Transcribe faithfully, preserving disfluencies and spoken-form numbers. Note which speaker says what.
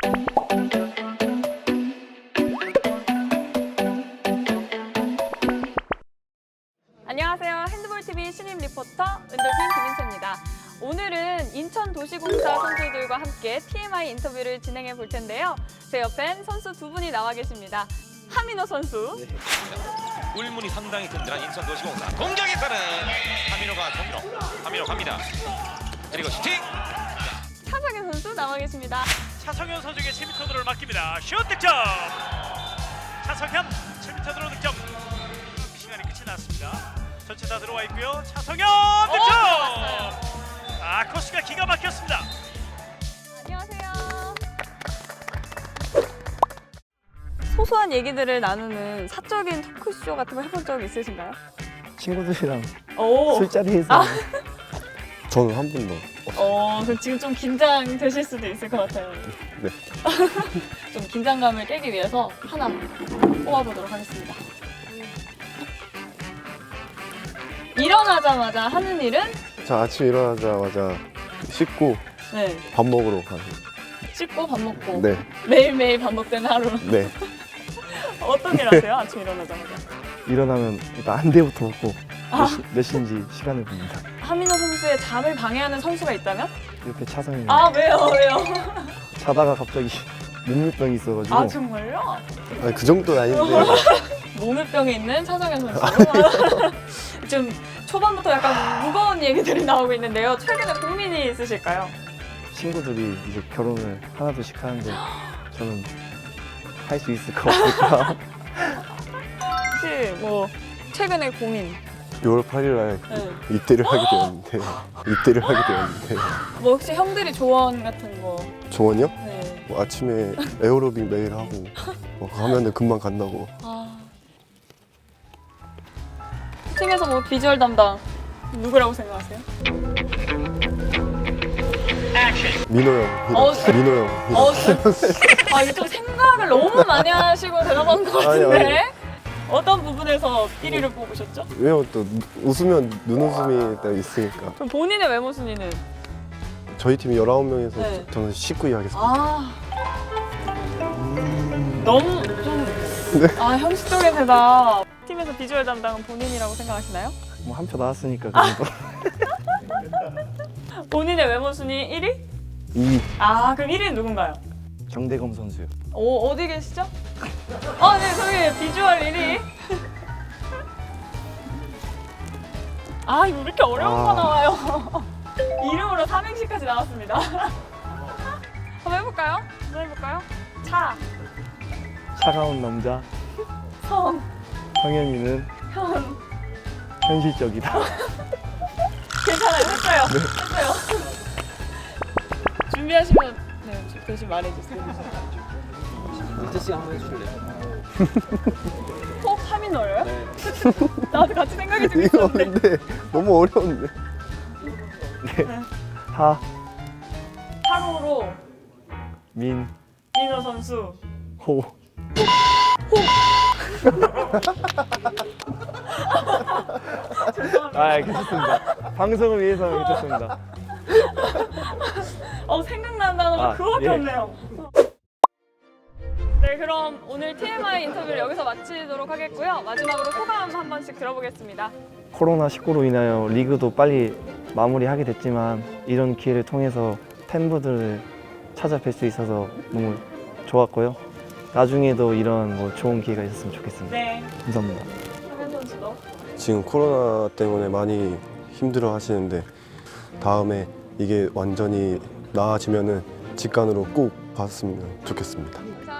Speaker 1: 안녕하세요. 핸드볼티비 신임 리포터 은돌핀 김인채입니다. 오늘은 인천도시공사 선수들과 함께 티엠아이 인터뷰를 진행해 볼 텐데요. 제 옆엔 선수 두 분이 나와 계십니다. 하민호 선수.
Speaker 2: 네. 울문이 상당히 든든한 인천도시공사. 공격에서는 하민호가 정로. 하민호 갑니다. 그리고 슈팅.
Speaker 1: 차성현 선수 나와 계십니다.
Speaker 3: 차성현 선수에게 칠 미터 드로를 맡깁니다. 슛 득점! 차성현 칠 미터 드로 득점. 시간이 끝이 났습니다. 전체 다 들어와 있고요. 차성현 득점!
Speaker 1: 오,
Speaker 3: 아, 코스가 기가 막혔습니다.
Speaker 1: 안녕하세요. 소소한 얘기들을 나누는 사적인 토크쇼 같은 거 해본 적 있으신가요?
Speaker 4: 친구들이랑
Speaker 1: 오.
Speaker 4: 술자리에서
Speaker 1: 아.
Speaker 4: 저는 한 번도
Speaker 1: 어, 그럼 지금 좀 긴장되실 수도 있을 것 같아요.
Speaker 4: 네.
Speaker 1: 좀 긴장감을 깨기 위해서 하나 뽑아보도록 하겠습니다. 일어나자마자 하는 일은?
Speaker 5: 자, 아침 일어나자마자 씻고
Speaker 1: 네.
Speaker 5: 밥 먹으러 가요.
Speaker 1: 씻고 밥 먹고
Speaker 5: 네,
Speaker 1: 매일매일 반복되는 하루.
Speaker 5: 네.
Speaker 1: 어떤 일 하세요? 아침 일어나자마자.
Speaker 4: 일어나면 일단 한 대부터 먹고
Speaker 1: 아.
Speaker 4: 몇, 시, 몇 시인지 시간을 봅니다.
Speaker 1: 하민호 선수의 잠을 방해하는 선수가 있다면?
Speaker 4: 옆에 차성이
Speaker 1: 아, 왜요? 왜요?
Speaker 4: 자다가 갑자기 몸물병이 있어가지고
Speaker 1: 아, 정말요?
Speaker 5: 아니, 그 정도는 아닌데.
Speaker 1: 몸물병이 있는 차성현 선수. 지금 초반부터 약간 무거운 얘기들이 나오고 있는데요. 최근에 고민이 있으실까요?
Speaker 4: 친구들이 이제 결혼을 하나둘씩 하는데 저는 할 수 있을 것 없을까.
Speaker 1: 혹시 뭐 최근에 고민?
Speaker 5: 유월 팔일 날
Speaker 1: 네.
Speaker 5: 입대를 하게 되었는데 입대를 하게 되었는데
Speaker 1: 뭐 혹시 형들이 조언 같은 거?
Speaker 5: 조언이요?
Speaker 1: 네.
Speaker 5: 뭐 아침에 에어로빅 매일 하고 뭐 하면은 금방 간다고.
Speaker 1: 아. 팀에서 뭐 비주얼 담당 누구라고 생각하세요?
Speaker 5: 민호 형,
Speaker 1: 어,
Speaker 5: 민호 형.
Speaker 1: 어, 아 이게 좀 생각을 너무 많이 하시고 대답한 것
Speaker 5: 아니,
Speaker 1: 같은데
Speaker 5: 아니.
Speaker 1: 어떤 부분에서 일 위를 뽑으셨죠?
Speaker 5: 왜요? 또 웃으면 눈웃음이 딱 있으니까.
Speaker 1: 그럼 본인의 외모 순위는?
Speaker 5: 저희 팀이 열아홉 명에서
Speaker 1: 네.
Speaker 5: 저는 십구 위 하겠습니다.
Speaker 1: 아 너무 좀 아 형식적인 대답. 팀에서 비주얼 담당은 본인이라고 생각하시나요?
Speaker 4: 뭐 한 표 나왔으니까 그래도
Speaker 1: 본인의 외모 순위 일 위?
Speaker 4: 이
Speaker 1: 아 그럼 일 위는 누군가요?
Speaker 4: 정대검 선수요.
Speaker 1: 오 어디 계시죠? 아 네 저기 비주얼 일 위. 아 이거 왜 이렇게 어려운
Speaker 5: 아.
Speaker 1: 거 나와요? 이름으로 삼행시까지 나왔습니다. 한번 해볼까요? 한번 해볼까요? 차,
Speaker 4: 차가운 남자
Speaker 1: 성,
Speaker 4: 성현이는
Speaker 1: 현.
Speaker 4: 현실적이다.
Speaker 1: 괜찮아요. 했어요. 했어요. 준비하시면 네, 대신 말해주세요.
Speaker 6: 민재 씨가 한번 해주실래요?
Speaker 1: 꼭 하민호예요? 네. 나도 같이 생각이 좀
Speaker 5: 이거
Speaker 1: 있었는데.
Speaker 5: 근데 너무 어려운데.
Speaker 4: 하,
Speaker 1: 하루로
Speaker 4: 민,
Speaker 1: 민호 선수.
Speaker 4: 호.
Speaker 1: 죄송합니다.
Speaker 4: 아, 괜찮습니다. 방송을 위해서는 괜찮습니다.
Speaker 1: 어 생각나는 단어가
Speaker 4: 아,
Speaker 1: 그거밖에
Speaker 4: 예.
Speaker 1: 없네요. 네 그럼 오늘 티엠아이 인터뷰를 여기서 마치도록 하겠고요. 마지막으로 소감 한 번씩 들어보겠습니다.
Speaker 4: 코로나 십구로 인하여 리그도 빨리 마무리하게 됐지만 이런 기회를 통해서 팬분들을 찾아뵐 수 있어서 너무 좋았고요. 나중에도 이런 뭐 좋은 기회가 있었으면 좋겠습니다.
Speaker 1: 네.
Speaker 4: 감사합니다.
Speaker 1: 하민 선수도.
Speaker 5: 지금 코로나 때문에 많이 힘들어 하시는데 다음에 이게 완전히 나아지면은 직관으로 꼭 봤으면 좋겠습니다.